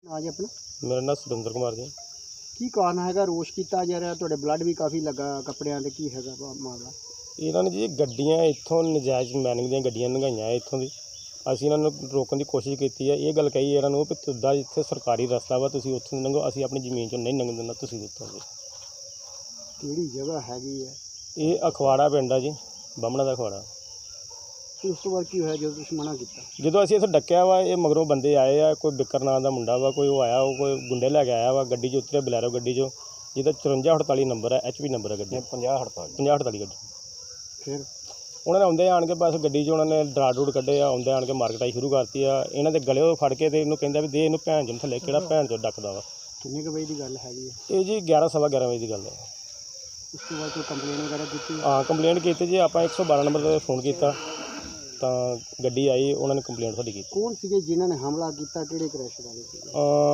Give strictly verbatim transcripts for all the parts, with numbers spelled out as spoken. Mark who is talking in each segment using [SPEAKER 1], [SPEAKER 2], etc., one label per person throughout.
[SPEAKER 1] ਨਾਂ ਜੀ ਆਪਣਾ?
[SPEAKER 2] ਮੇਰਾ ਨਾਮ ਸੁਰਿੰਦਰ ਕੁਮਾਰ ਜੀ।
[SPEAKER 1] ਕੀ ਕਾਰਨ ਹੈਗਾ ਰੋਸ਼ ਕੀਤਾ ਜਾ ਰਿਹਾ? ਤੁਹਾਡੇ ਬਲੱਡ ਵੀ ਕਾਫੀ ਲੱਗਾ ਕੱਪੜਿਆਂ 'ਤੇ, ਕੀ ਹੈਗਾ ਵਾ ਮਾਮਲਾ?
[SPEAKER 2] ਇਹਨਾਂ ਨੇ ਜੀ ਗੱਡੀਆਂ ਇੱਥੋਂ ਨਜਾਇਜ਼ ਮਾਈਨਿੰਗ ਦੀਆਂ ਗੱਡੀਆਂ ਲੰਘਾਈਆਂ ਇੱਥੋਂ ਦੀ। ਅਸੀਂ ਇਹਨਾਂ ਨੂੰ ਰੋਕਣ ਦੀ ਕੋਸ਼ਿਸ਼ ਕੀਤੀ ਹੈ। ਇਹ ਗੱਲ ਕਹੀ ਇਹਨਾਂ ਨੂੰ ਵੀ ਤੁਹਾਡਾ ਇੱਥੇ ਸਰਕਾਰੀ ਰਸਤਾ ਵਾ, ਤੁਸੀਂ ਉੱਥੋਂ ਦੀ ਲੰਘੋ, ਅਸੀਂ ਆਪਣੀ ਜ਼ਮੀਨ 'ਚੋਂ ਨਹੀਂ ਲੰਘਣ ਦਿੰਦਾ, ਤੁਸੀਂ ਉੱਥੋਂ ਦੀ।
[SPEAKER 1] ਕਿਹੜੀ ਜਗ੍ਹਾ ਹੈਗੀ ਹੈ?
[SPEAKER 2] ਇਹ ਅਖਵਾੜਾ ਪਿੰਡ ਆ ਜੀ, ਬਾਹਮਣਾ ਦਾ ਅਖਵਾੜਾ।
[SPEAKER 1] ਤੇ ਉਸ ਤੋਂ ਬਾਅਦ ਕੀ ਹੋਇਆ ਜਦੋਂ ਤੁਸੀਂ ਮਨਾ ਕੀਤਾ?
[SPEAKER 2] ਜਦੋਂ ਅਸੀਂ ਇੱਥੇ ਡੱਕਿਆ ਵਾ, ਇਹ ਮਗਰੋਂ ਬੰਦੇ ਆਏ ਆ, ਕੋਈ ਬਿੱਕਰ ਨਾਂ ਦਾ ਮੁੰਡਾ ਵਾ, ਕੋਈ ਉਹ ਆਇਆ, ਉਹ ਕੋਈ ਗੁੰਡੇ ਲੈ ਕੇ ਆਇਆ ਵਾ, ਗੱਡੀ 'ਚ ਉਤਰਿਆ ਬਲੈਰੋ ਗੱਡੀ 'ਚੋਂ, ਜਿਹਦਾ ਚੁਰੰਜਾ ਅਠਤਾਲੀ ਨੰਬਰ ਹੈ, ਐਚ ਪੀ ਨੰਬਰ ਹੈ ਗੱਡੀ, ਪੰਜਾਹ ਅਠਤਾਲੀ ਪੰਜਾਹ ਅਠਤਾਲੀ ਗੱਡੀ।
[SPEAKER 1] ਫਿਰ
[SPEAKER 2] ਉਹਨਾਂ ਨੇ ਆਉਂਦੇ ਆਣ ਕੇ ਬਸ ਗੱਡੀ 'ਚ ਉਹਨਾਂ ਨੇ ਡਰਾ ਡੂਡ ਕੱਢੇ ਆ, ਆਉਂਦੇ ਆਣ ਕੇ ਮਾਰਕਟਾਈ ਸ਼ੁਰੂ ਕਰਤੀ ਆ। ਇਹਨਾਂ ਦੇ ਗਲੇ ਫੜ ਕੇ ਤੇ ਇਹਨੂੰ ਕਹਿੰਦਾ ਵੀ ਦੇ ਇਹਨੂੰ ਭੈਣ ਚੋਂ ਥੱਲੇ, ਕਿਹੜਾ ਭੈਣ ਚੋਂ ਡੱਕਦਾ ਵਾ।
[SPEAKER 1] ਕਿੰਨੇ ਕੁ ਵਜੇ ਦੀ ਗੱਲ ਹੈਗੀ ਹੈ?
[SPEAKER 2] ਇਹ ਜੀ ਗਿਆਰਾਂ ਸਵਾ ਗਿਆਰਾਂ ਵਜੇ ਦੀ ਗੱਲ ਹੈ।
[SPEAKER 1] ਉਸ ਤੋਂ ਬਾਅਦ ਕੋਈ ਕੰਪਲੇਨ ਵਗੈਰਾ ਕੀਤੀ?
[SPEAKER 2] ਹਾਂ, ਕੰਪਲੇਂਟ ਕੀਤੀ ਜੀ, ਆਪਾਂ ਇੱਕ ਸੌ ਬਾਰਾਂ ਨੰਬਰ 'ਤੇ ਫੋਨ ਕੀਤਾ ਤਾਂ ਗੱਡੀ ਆਈ, ਉਹਨਾਂ ਨੇ ਕੰਪਲੇਂਟ ਸਾਡੀ ਕੀਤੀ।
[SPEAKER 1] ਕੌਣ ਸੀਗੇ ਜਿਨ੍ਹਾਂ ਨੇ ਹਮਲਾ ਕੀਤਾ? ਕਿਹੜੇ ਕ੍ਰੈਸ਼ਰ ਵਾਲੇ ਸੀਗੇ?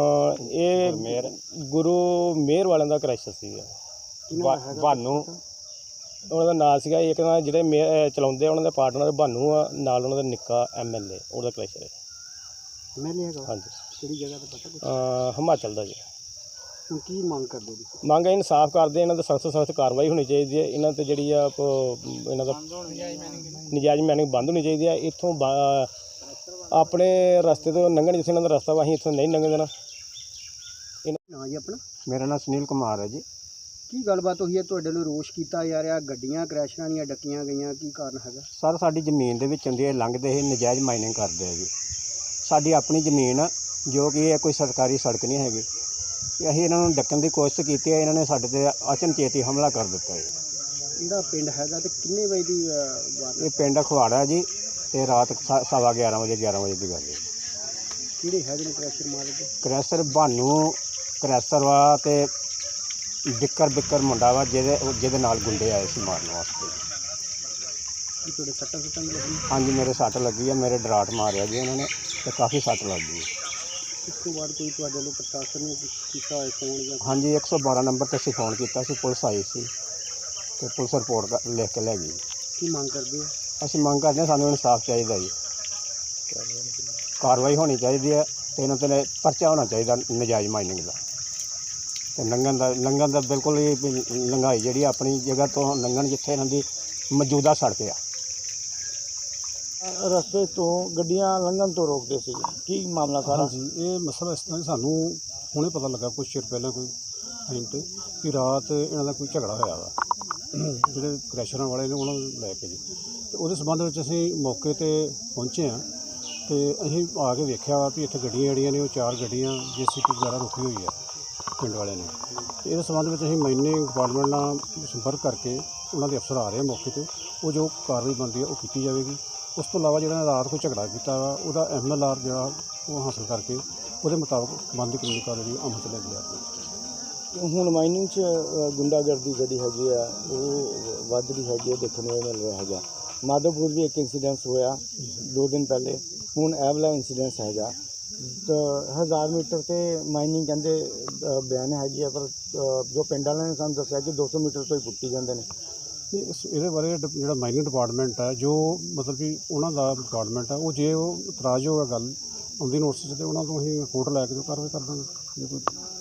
[SPEAKER 2] ਇਹ ਗੁਰੂ ਮੇਰ ਵਾਲਿਆਂ ਦਾ ਕ੍ਰੈਸ਼ਰ ਸੀਗਾ, ਭਾਨੂ ਉਹਨਾਂ ਦਾ ਨਾਂ ਸੀਗਾ। ਇੱਕ ਤਾਂ ਜਿਹੜੇ ਮੇ ਚਲਾਉਂਦੇ ਉਹਨਾਂ ਦੇ ਪਾਰਟਨਰ ਭਾਨੂ ਆ, ਨਾਲ ਉਹਨਾਂ ਦਾ ਨਿੱਕਾ ਐਮ ਐਲ ਏ, ਉਹਦਾ ਕ੍ਰੈਸ਼ਰ ਹੈ।
[SPEAKER 1] ਐਮ ਐਲ ਏ ਹੈਗਾ?
[SPEAKER 2] ਹਾਂਜੀ।
[SPEAKER 1] ਕਿਹੜੀ ਜਗ੍ਹਾ 'ਤੇ ਪਤਾ ਕੁਛ?
[SPEAKER 2] ਹਿਮਾਚਲ ਦਾ ਜੀ।
[SPEAKER 1] ਹੁਣ ਕੀ ਮੰਗ ਕਰਦੇ ਜੀ?
[SPEAKER 2] ਮੰਗ ਇਨਸਾਫ ਕਰਦੇ, ਇਹਨਾਂ ਦਾ ਸਖਤ ਤੋਂ ਸਖਤ ਕਾਰਵਾਈ ਹੋਣੀ ਚਾਹੀਦੀ ਹੈ। ਇਹਨਾਂ 'ਤੇ ਜਿਹੜੀ ਆ ਇਹਨਾਂ ਦਾ ਨਜਾਇਜ਼ ਮਾਈਨਿੰਗ ਬੰਦ ਹੋਣੀ ਚਾਹੀਦੀ ਹੈ। ਇੱਥੋਂ ਆਪਣੇ ਰਸਤੇ ਤੋਂ ਲੰਘਣ, ਜਿੱਥੇ ਇਹਨਾਂ ਦਾ ਰਸਤਾ ਵਾ, ਅਸੀਂ ਇੱਥੋਂ ਨਹੀਂ ਲੰਘਣ ਦੇਣਾ।
[SPEAKER 1] ਨਾਂ ਜੀ ਆਪਣਾ?
[SPEAKER 3] ਮੇਰਾ ਨਾਮ ਸੁਨੀਲ ਕੁਮਾਰ ਹੈ ਜੀ।
[SPEAKER 1] ਕੀ ਗੱਲਬਾਤ ਹੋਈ ਹੈ? ਤੁਹਾਡੇ ਨੂੰ ਰੋਸ਼ ਕੀਤਾ ਜਾ ਰਿਹਾ, ਗੱਡੀਆਂ ਕ੍ਰੈਸ਼ਰਾਂ ਦੀਆਂ ਡੱਕੀਆਂ ਗਈਆਂ, ਕੀ ਕਾਰਨ ਹੈਗਾ?
[SPEAKER 3] ਸਰ, ਸਾਡੀ ਜ਼ਮੀਨ ਦੇ ਵਿੱਚ ਹੁੰਦੀ ਹੈ, ਲੰਘਦੇ ਇਹ ਨਜਾਇਜ਼ ਮਾਈਨਿੰਗ ਕਰਦੇ ਆ ਜੀ। ਸਾਡੀ ਆਪਣੀ ਜ਼ਮੀਨ ਆ, ਜੋ ਕਿ ਇਹ ਕੋਈ ਸਰਕਾਰੀ ਸੜਕ ਨਹੀਂ ਹੈਗੀ। ਅਸੀਂ ਇਹਨਾਂ ਨੂੰ ਡੱਕਣ ਦੀ ਕੋਸ਼ਿਸ਼ ਕੀਤੀ ਹੈ, ਇਹਨਾਂ ਨੇ ਸਾਡੇ 'ਤੇ ਅਚਨਚੇਤੀ ਹਮਲਾ ਕਰ ਦਿੱਤਾ ਹੈ।
[SPEAKER 1] ਇਹਦਾ ਪਿੰਡ ਹੈਗਾ ਤੇ ਕਿੰਨੇ ਵਜੇ ਦੀ ਵਾਰ?
[SPEAKER 3] ਇਹ ਪਿੰਡ ਅਖਵਾੜਾ ਜੀ, ਅਤੇ ਰਾਤ ਸਵਾ ਗਿਆਰਾਂ ਵਜੇ ਗਿਆਰਾਂ ਵਜੇ ਦੀ ਗੱਲ ਹੈ।
[SPEAKER 1] ਕਿਹੜੇ ਹੈਗੇ ਨੇ ਕ੍ਰੈਸ਼ਰ ਮਾਲਕ?
[SPEAKER 3] ਕ੍ਰੈਸ਼ਰ ਭਾਨੂ ਕ੍ਰੈਸ਼ਰ ਵਾ, ਅਤੇ ਬਿੱਕਰ ਬਿੱਕਰ ਮੁੰਡਾ ਵਾ, ਜਿਹਦੇ ਜਿਹਦੇ ਨਾਲ ਗੁੰਡੇ ਆਏ ਸੀ ਮਾਰਨ ਵਾਸਤੇ।
[SPEAKER 1] ਕੀ ਤੁਹਾਡੇ ਸੱਟਾਂ ਸੁੱਟਾਂ ਵੀ ਲੱਗੀਆਂ?
[SPEAKER 3] ਹਾਂਜੀ, ਮੇਰੇ ਸੱਟ ਲੱਗੀ ਹੈ, ਮੇਰੇ ਡਰਾਟ ਮਾਰਿਆ ਜੀ ਉਹਨਾਂ ਨੇ, ਅਤੇ ਕਾਫੀ ਸੱਟ ਲੱਗ ਗਈ।
[SPEAKER 1] ਇਸ ਤੋਂ ਬਾਅਦ ਕੋਈ ਤੁਹਾਡੇ ਵੱਲੋਂ ਪ੍ਰਸ਼ਾਸਨ ਨੇ ਕੀਤਾ ਹੋਇਆ ਫੋਨ ਜਾਂ?
[SPEAKER 3] ਹਾਂਜੀ, ਇੱਕ ਸੌ ਬਾਰਾਂ ਨੰਬਰ 'ਤੇ ਅਸੀਂ ਫੋਨ ਕੀਤਾ ਸੀ, ਪੁਲਿਸ ਆਈ ਸੀ ਅਤੇ ਪੁਲਿਸ ਰਿਪੋਰਟ ਲਿਖ ਕੇ ਲੈ ਗਈ।
[SPEAKER 1] ਕੀ ਮੰਗ ਕਰਦੇ ਹੋ?
[SPEAKER 3] ਅਸੀਂ ਮੰਗ ਕਰਦੇ ਹਾਂ, ਸਾਨੂੰ ਇਨਸਾਫ ਚਾਹੀਦਾ ਜੀ, ਕਾਰਵਾਈ ਹੋਣੀ ਚਾਹੀਦੀ ਹੈ, ਅਤੇ ਇਹਨਾਂ 'ਤੇ ਪਰਚਾ ਹੋਣਾ ਚਾਹੀਦਾ ਨਜਾਇਜ਼ ਮਾਈਨਿੰਗ ਦਾ। ਅਤੇ ਲੰਘਣ ਦਾ ਲੰਘਣ ਦਾ ਬਿਲਕੁਲ ਹੀ ਲੰਘਾਈ ਜਿਹੜੀ ਆਪਣੀ ਜਗ੍ਹਾ ਤੋਂ ਲੰਘਣ, ਜਿੱਥੇ ਇਹਨਾਂ ਦੀ ਮੌਜੂਦਾ ਸੜਕ ਆ।
[SPEAKER 1] ਰਸਤੇ ਤੋਂ ਗੱਡੀਆਂ ਲੰਘਣ ਤੋਂ ਰੋਕਦੇ ਸੀ, ਕੀ ਮਾਮਲਾ ਸਾਰਾ?
[SPEAKER 4] ਹਾਂਜੀ, ਇਹ ਮਸਲਾ ਇਸ ਤਰ੍ਹਾਂ ਸਾਨੂੰ ਹੁਣੇ ਪਤਾ ਲੱਗਾ ਕੁਛ ਚਿਰ ਪਹਿਲਾਂ, ਕੋਈ ਟਾਈਮ 'ਤੇ, ਕਿ ਰਾਤ ਇਹਨਾਂ ਦਾ ਕੋਈ ਝਗੜਾ ਹੋਇਆ ਵਾ ਜਿਹੜੇ ਕ੍ਰੈਸ਼ਰਾਂ ਵਾਲੇ ਨੇ ਉਹਨਾਂ ਨੂੰ ਲੈ ਕੇ ਜੀ। ਅਤੇ ਉਹਦੇ ਸੰਬੰਧ ਵਿੱਚ ਅਸੀਂ ਮੌਕੇ 'ਤੇ ਪਹੁੰਚੇ ਹਾਂ, ਅਤੇ ਅਸੀਂ ਆ ਕੇ ਵੇਖਿਆ ਵਾ ਵੀ ਇੱਥੇ ਗੱਡੀਆਂ ਜਿਹੜੀਆਂ ਨੇ ਉਹ ਚਾਰ ਗੱਡੀਆਂ ਜੇ ਸੀ ਪੀ ਵਗੈਰਾ ਰੁਕੀ ਹੋਈ ਆ ਪਿੰਡ ਵਾਲਿਆਂ ਨੇ। ਅਤੇ ਇਹਦੇ ਸੰਬੰਧ ਵਿੱਚ ਅਸੀਂ ਮਾਈਨਿੰਗ ਡਿਪਾਰਟਮੈਂਟ ਨਾਲ ਸੰਪਰਕ ਕਰਕੇ ਉਹਨਾਂ ਦੇ ਅਫਸਰ ਆ ਰਹੇ ਮੌਕੇ 'ਤੇ, ਉਹ ਜੋ ਕਾਰਵਾਈ ਬਣਦੀ ਹੈ ਉਹ ਕੀਤੀ ਜਾਵੇਗੀ। ਉਸ ਤੋਂ ਇਲਾਵਾ ਜਿਹੜਾ ਰਾਤ ਕੋਈ ਝਗੜਾ ਕੀਤਾ ਵਾ, ਉਹਦਾ ਐਮ ਐਲ ਆਰ ਜਿਹੜਾ ਉਹ ਹਾਸਲ ਕਰਕੇ ਉਹਦੇ ਮੁਤਾਬਕ ਬਣਦੀ ਕਾਨੂੰਨੀ ਕਾਰਵਾਈ ਅਮਲ 'ਚ ਲੈ ਕੇ ਜਾਵੇਗੀ।
[SPEAKER 1] ਹੁਣ ਮਾਈਨਿੰਗ 'ਚ ਗੁੰਡਾਗਰਦੀ ਜਿਹੜੀ ਹੈਗੀ ਆ ਉਹ ਵੱਧ ਰਹੀ ਹੈਗੀ, ਦੇਖਣ ਨੂੰ ਮਿਲ ਰਿਹਾ ਹੈਗਾ। ਮਾਧੋਪੁਰ ਵੀ ਇੱਕ ਇੰਸੀਡੈਂਸ ਹੋਇਆ ਦੋ ਦਿਨ ਪਹਿਲੇ, ਹੁਣ ਇਹ ਵਾਲਾ ਇੰਸੀਡੈਂਸ ਹੈਗਾ। ਹਜ਼ਾਰ ਮੀਟਰ 'ਤੇ ਮਾਈਨਿੰਗ ਕਹਿੰਦੇ ਬਿਆਨ ਹੈਗੀ ਆ, ਪਰ ਜੋ ਪਿੰਡ ਵਾਲਿਆਂ ਨੇ ਸਾਨੂੰ ਦੱਸਿਆ ਕਿ ਦੋ ਸੌ ਮੀਟਰ ਤੋਂ ਹੀ ਪੁੱਟੀ ਜਾਂਦੇ ਨੇ।
[SPEAKER 4] ਇਸ ਇਹਦੇ ਬਾਰੇ ਜਿਹੜਾ ਮਾਈਨਿੰਗ ਡਿਪਾਰਟਮੈਂਟ ਹੈ, ਜੋ ਮਤਲਬ ਕਿ ਉਹਨਾਂ ਦਾ ਡਿਪਾਰਟਮੈਂਟ ਹੈ, ਉਹ ਜੇ ਉਹ ਇਤਰਾਜ਼ ਹੋਇਆ ਗੱਲ ਆਉਂਦੀ ਨੋਟਿਸ 'ਤੇ, ਉਹਨਾਂ ਤੋਂ ਅਸੀਂ ਰਿਪੋਰਟ ਲੈ ਕੇ ਕਾਰਵਾਈ ਕਰ ਦਾਂਗੇ ਜੇ ਕੋਈ